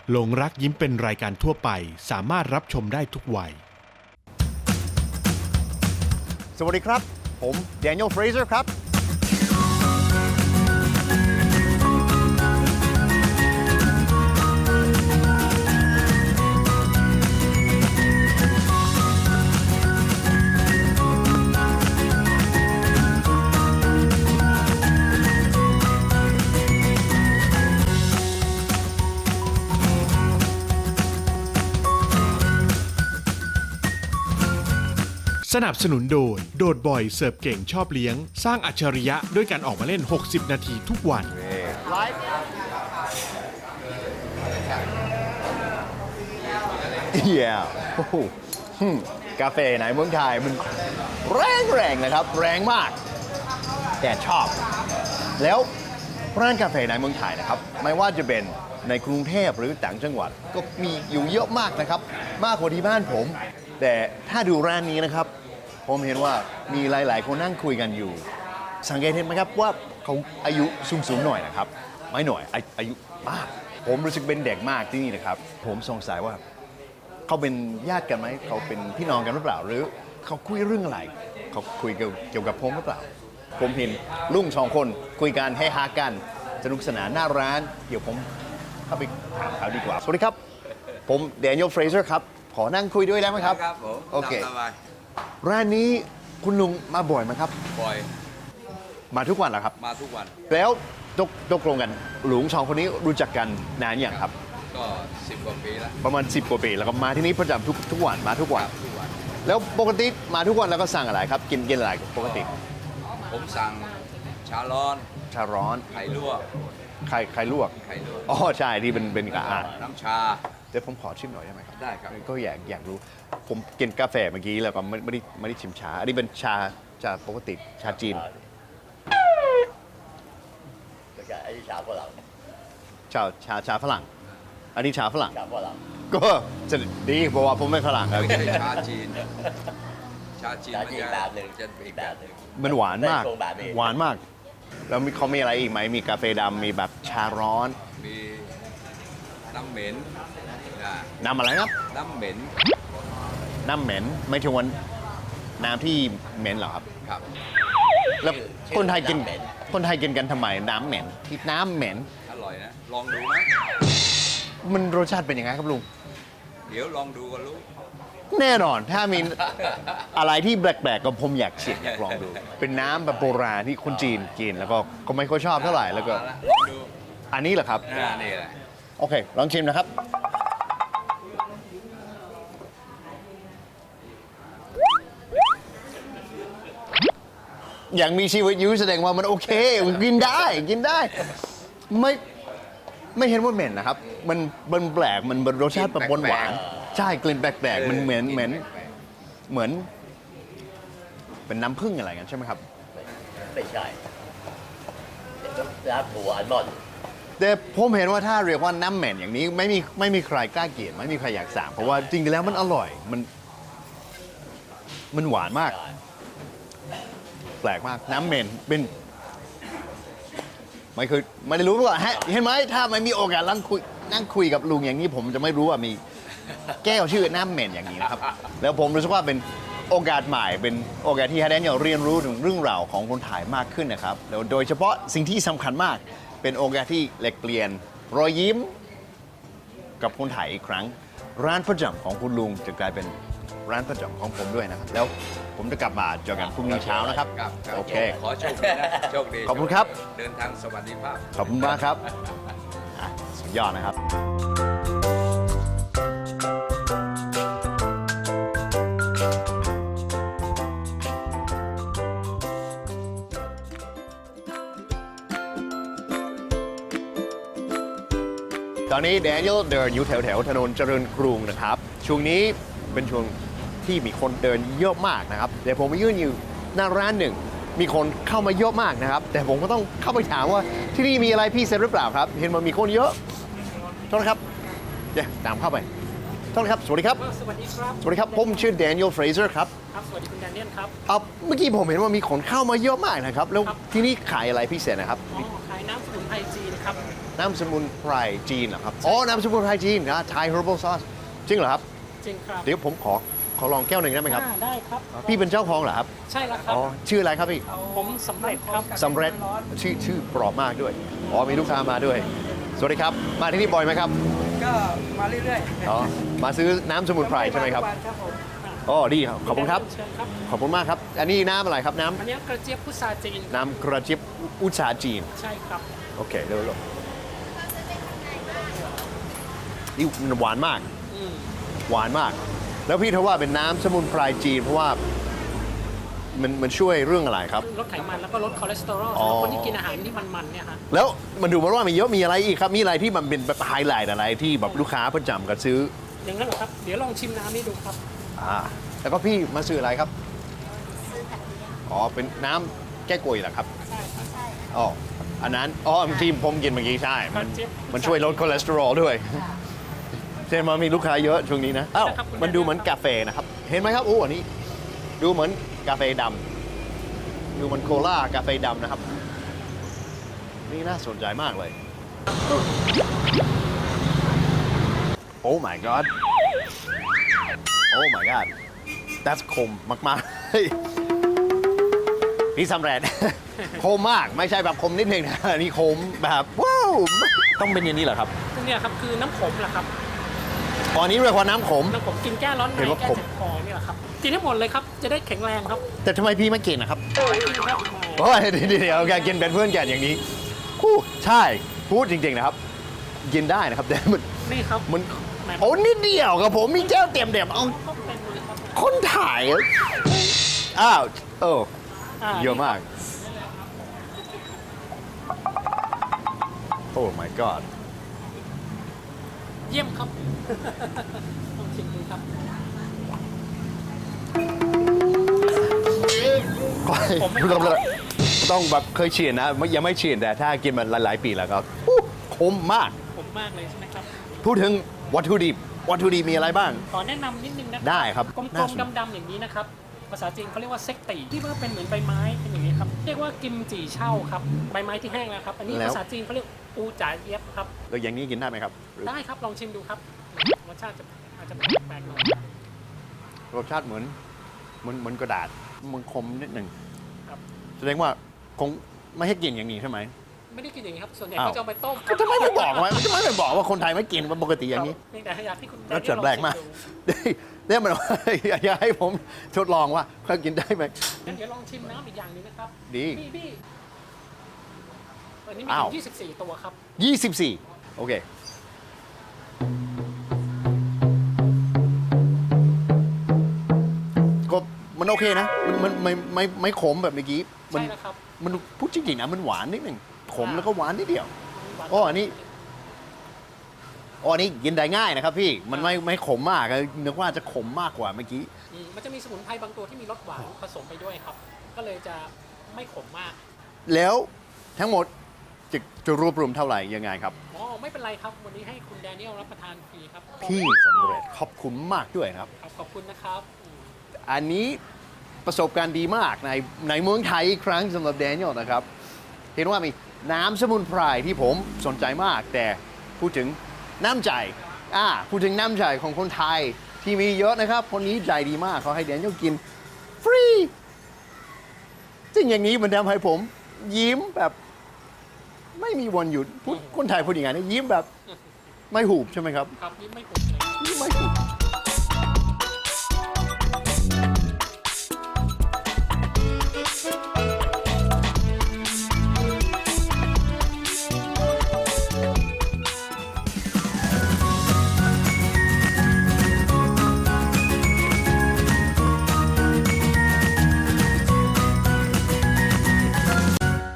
หลงรักยิ้มเป็นรายการทั่วไปสามารถรับชมได้ทุกวัยสวัสดีครับผม Daniel Fraser ครับสนับสนุนโดยโดดบ่อยเสิร์ฟเก่งชอบเลี้ยงสร้างอัจฉริยะด้วยการออกมาเล่น60นาทีทุกวันโอ้โหกาแฟในเมืองไทยมันแรงนะครับแรงมากแต่ชอบแล้วร้านกาแฟในเมืองไทยนะครับไม่ว่าจะเป็นในกรุงเทพหรือต่างจังหวัดก็มีอยู่เยอะมากนะครับมากกว่าที่บ้านผมแต่ถ้าดูร้านนี้นะครับผมเห็นว่ามีหลายๆคนนั่งคุยกันอยู่สังเกตเห็นไหมครับว่าเขาอายุสูงหน่อยนะครับไม่หน่อยอายุมากผมรู้สึกเป็นเด็กมากที่นี่นะครับผมสงสัยว่าเขาเป็นญาติกันไหมเขาเป็นพี่น้องกันหรือเปล่าหรือเขาคุยเรื่องอะไรเขาคุยเกี่ยวกับผมหรือเปล่าผมเห็นลุง2 คนคุยกันให้ฮากันสนุกสนานหน้าร้านเดี๋ยวผมเข้าไปถามเขาดีกว่าสวัสดีครับผม Daniel Fraser ครับขอนั่งคุยด้วยได้ไหมครับครับผมโอเคตามสบายร้านนี้คุณลุงมาบ่อยไหมครับบ่อยมาทุกวันเหรอครับมาทุกวันแล้วตกลงกันลุง2 คนนี้รู้จักกันนานอย่างครับก็10 กว่าปีแล้วประมาณ10 กว่าปีแล้วก็มาที่นี่ประจำทุกวันมาทุกวันทุกวันแล้วปกติมาทุกวันแล้วก็สั่งอะไรครับกินอะไรปกติผมสั่งชาร้อนชาร้อนไข่ลวกไข่ลวกไข่ลวกอ๋อใช่ที่เป็นกาน้ำชาเดี๋ยวผมขอชิมหน่อยได้ไหมครับได้ครับก็อยากรู้ผมกินกาแฟเมื่อกี้แล้วก็ไม่ได้ชิมชาอันนี้เป็นชาปกติชาจีนแล้วก็ไอ้ชาฝรั่งชาฝรั่ง อันนี้ชาฝรั่งชาฝรั่งก็จะดีเพราะว่าผมไม่ฝรั่งครับไม่ใช่ชาจีน ชาจีนชามันจีนจะแบบหนึ่งจะอีอีกกแบแบบ บหหนึ่นึ่งงมันหวานมากได้โครงแบบนี้หวานมาก แล้วเขามีอะไรอีกไหมมีกาแฟดำมีแบบชาร้อนมีน้ำเหม็นนะน้ำอะไรครับน้ำเหม็นน้ำเหม็นไม่ถึงวันน้ำที่เหม็นเหรอครับครับแล้วคนไทยกินน้ำเหม็นคนไทยกินกันทำไมน้ำเหม็นที่น้ำเหม็นอร่อยนะ ลองดูนะมันรสชาติเป็นยังไงครับลุงเดี๋ยวลองดูก็รู้แน่นอนถ้ามีอะไรที่แปลกๆก็ผมอยากชิมอยากลองดู เป็นน้ำแบบโบราณที่คนจีนกินแล้วก็ไม่ค่อยชอบเท่าไหร่แล้วก็มาละลองดูอันนี้เหรอครับนี่แหละโอเค ลองชิมนะครับ อย่างมีชีวิตอยู่แสดงว่ามันโอเคกินได้ไม่เห็นว่าเหม็นนะครับ มันแปลกมันรสชาติแบบหวานๆใช่กลิ่นแปลกๆมันเหมือนเป็นน้ำผึ้งอะไรกันใช่ไหมครับไม่ใช่น้ำถั่วอัลมอนด์แต่ผมเห็นว่าถ้าเรียกว่าน้ำเหม็นอย่างนี้ไม่มีใครกล้ากินไม่มีใครอยากสั่งเพราะว่าจริงๆแล้วมันอร่อยมันหวานมาก แปลกมากน้ำเหม็นเป็นไม่ได้รู้มาก่อนเห็นไหมถ้าไม่มีโอกาสนั่งคุยกับลุงอย่างนี้ผมจะไม่รู้ว่ามีแก้วชื่อน้ำเหม็นอย่างนี้นะครับ แล้วผมรู้สึกว่าเป็นโอกาสใหม่เป็นโอกาสที่ให้แดเนียลเรียนรู้ถึงเรื่องราวของคนไทยมากขึ้นนะครับแล้วโดยเฉพาะสิ่งที่สำคัญมากเป็นโอกาสที่แลกเปลี่ยนรอยยิ้มกับคนไทยอีกครั้ง ร้านประจำของคุณลุงจะกลายเป็นร้านประจำของผมด้วยนะครับแล้วผมจะกลับมาเจอกันพรุ่งนี้เช้านะครับครับโอเคขอโชคดีนะ โชคดีขอบคุณครับเดินทางสวัสดิภาพขอบคุณมากครับอ่ะสุดยอดนะครับ ตอนนี้แดเนียลเดินอยู่แถวถนนเจริญกรุงนะครับ ช่วงนี้เป็นช่วงที่มีคนเดินเยอะมากนะครับเดี๋ยวผมมายืนอยู่หน้าร้านหนึ่ง มีคนเข้ามาเยอะมากนะครับ แต่ผมก็ต้องเข้าไปถามว่าที่นี่มีอะไรพิเศษหรือเปล่าครับ เห็นว่ามีคนเยอะโทษนะครับเดี๋ยวตามเข้าไปโทษนะครับสวัสดีครับสวัสดีครับสวัสดีครับผมชื่อ Daniel Fraser ครับครับ สวัสดีคุณแดเนียลครับเมื่อกี้ผมเห็นว่ามีคนเข้ามาเยอะมากนะครับ แล้วครับที่นี่ขายอะไรพิเศษนะครับอ๋อขายน้ำสมุนไพรจีนครับน้ำสมุนไพรจีนเหรอครับ อ๋อ น้ำสมุนไพรจีนนะ Thai herbal sauce จริงเหรอครับจริงครับเดี๋ยวผมขอลองแก้วหนึ่งได้ไหมครับได้ครับพี่เป็นเจ้าของเหรอครับใช่แล้วครัอ๋บอ ชื่ออะไรครับพี่ผมสำเร็จครับสำเร็จชื่อปลอบมากด้วย อ๋อ มีลูกค้ามาด้วย สวัสดีครับ มาที่นี่บ่อยไหมครับก็มาเรื่อยอ๋อ มาซื้อน้ำสมุนไพรใช่ไหมครับครับผมอ๋อ ดีครับ ขอบคุณครับเชิญครับขอบคุณมากครับ อันนี้น้ำอะไรครับอันนี้กระเจี๊ยบพุทราจีนน้ำกระเจี๊ยบอุชาจีนใช่ครับโอเคเร็วนี่มันหวานมากอืมหวานมาก แล้วพี่เทว่าเป็นน้ำสมุนไพรจีน เพราะว่ามันช่วยเรื่องอะไรครับลดไขมันแล้วก็ลดคอเลสเตอรอลอ๋อสำหรับคนที่กินอาหารที่มันๆเนี่ยฮะแล้วมันดูมาว่ามีเยอะมีอะไรอีกครับ มีอะไรที่มันเป็นแบบไฮไลท์อะไรที่แบบลูกค้าประจำกันซื้ออย่างนั้นเหรอครับ เดี๋ยวลองชิมน้ำนี้ดูครับแล้วก็พี่มาซื้ออะไรครับ อ๋อ เป็นน้ำแก้กวยเหรอครับใช่ครับอ๋อ อันนั้น อ๋อที่ผมกินเมื่อกี้ใช่ มันกระเจี๊ยบมันช่วยลดคอเลสเตอรอลด้วยใช่ไหมมีลูกค้าเยอะช่วงนี้นะ อ้าวนะครับคุณมันดูเหมือนกาแฟนะครับ เห็นไหมครับโอ้อันนี้ ดูเหมือนกาแฟดำดูเหมันโคลากาแฟดำนะครับ นี่น่าสนใจมากเลย โอ้ my god โอ้ my god that's คมมากๆ เฮ้ยพี่สำเร็จ คมมากไม่ใช่แบบคมนิดนึงนะอันนี้คมแบบว้าวต้องเป็นอย่างนี้เหรอครับเนี่ยครับคือน้ำขมแหละครับอ๋ออันนี้เรียกว่าน้ำขมน้ำขมกินแก้ร้อนในเห็นว่าแก้ขมเจ็บคอนี่แหละครับ กินให้หมดเลยครับ จะได้แข็งแรงครับแต่ทำไมพี่ไม่กินนะครับกินครับโอ้ยเดี๋ยวแกกินเป็นเพื่อนแกอย่างนี้อู้ใช่พูดจริงๆนะครับ กินได้นะครับแต่มันนี่ครับมันแหมโอ้นิดเดียวกับผมมีแก้วเต็มเดียวเอาก็เป็นเลยครับคนถ่ายอะอ้าวเออ เยอะมาก โอ้ my god เยี่ยมครับ ลองชิมดูครับ ผมไม่ต้องแบบเคยเฉียนนะ ยังไม่เฉียนแต่ถ้ากินมันหลายๆปีแล้วครับอู้คมมากผมมากเลยใช่ไหมครับพูดถึงวัตถุดิบมีอะไรบ้างขอแนะนำนิดนึงนะได้ครับกลน่าม สนๆดำๆอย่างนี้นะครับ ภาษาจีนเขาเรียกว่าเซ็กตีที่มันเป็นเหมือนใบไม้เป็นอย่างนี้ครับ เรียกว่ากิมจีเช่าครับ ใบไม้ที่แห้งแล้วครับ อันนี้แล้วภาษาจีนเขาเรียกอูจ่าเย็บครับแล้วอย่างนี้กินได้ไหมครับหรือได้ครับ ลองชิมดูครับ รสชาติอาจจะแปลกๆหน่อยรสชาติเหมือนกระดาษ มันคมนิดหนึ่งครับแสดงว่าคงไม่ให้กินอย่างนี้ใช่ไหมไม่ได้กินอย่างนี้ครับ ส่วนใหญ่อ้าวเขาจะเอาไปต้มก็ทำไมไม่บอกวะทำไมไม่บอกว่าคนไทยไม่กินมันปกติอย่างนี้นี่แต่อยากให้คุณรสชาติแปลกมาก เนี่ยมัน อยากให้ผมทดลองว่าเขากินได้ไหมเดี๋ยวลองชิมน้ำอีกอย่างหนึงนะครับดีพี่อันนี้มีอ้าวถึง24 ตัวครับ 24 โอเค ก็มันโอเคนะ มันไม่ขมแบบเมื่อกี้ มัใช่แล้วครับมันพูดจริงๆนะ มันหวานนิดหนึ่งขมแล้วก็หวานนิดเดียวหวานอ๋ออันนี้ อ๋ออันนี้กินได้ง่ายนะครับพี่ มันไม่ขมมากนึกว่าจะขมมากกว่าเมื่อกี้มันจะมีสมุนไพรบางตัวที่มีรสหวานผสมไปด้วยครับ ก็เลยจะไม่ขมมากแล้วทั้งหมดจะรวบรวมเท่าไหร่ยังไงครับอ๋อไม่เป็นไรครับ วันนี้ให้คุณแดเนียลรับประทานฟรีครับพี่สำเร็จขอบคุณมากด้วยครับครับขอบคุณนะครับอันนี้ประสบการณ์ดีมากในเมืองไทยอีกครั้งสำหรับแดเนียลนะครับ เห็นว่ามีน้ำสมุนไพรที่ผมสนใจมาก แต่พูดถึงน้ำใจพูดถึงน้ำใจของคนไทยที่มีเยอะนะครับ คนนี้ใจดีมากเขาให้แดเนียลกินฟรีซึ่งอย่างนี้มันทำให้ผมยิ้มแบบไม่มีวันหยุดพูดคนไทยพูดยังไงนะยิ้มแบบไม่หูบใช่ไหมครับครับนี่ไม่ขมเลยยิ้มไม่หูบ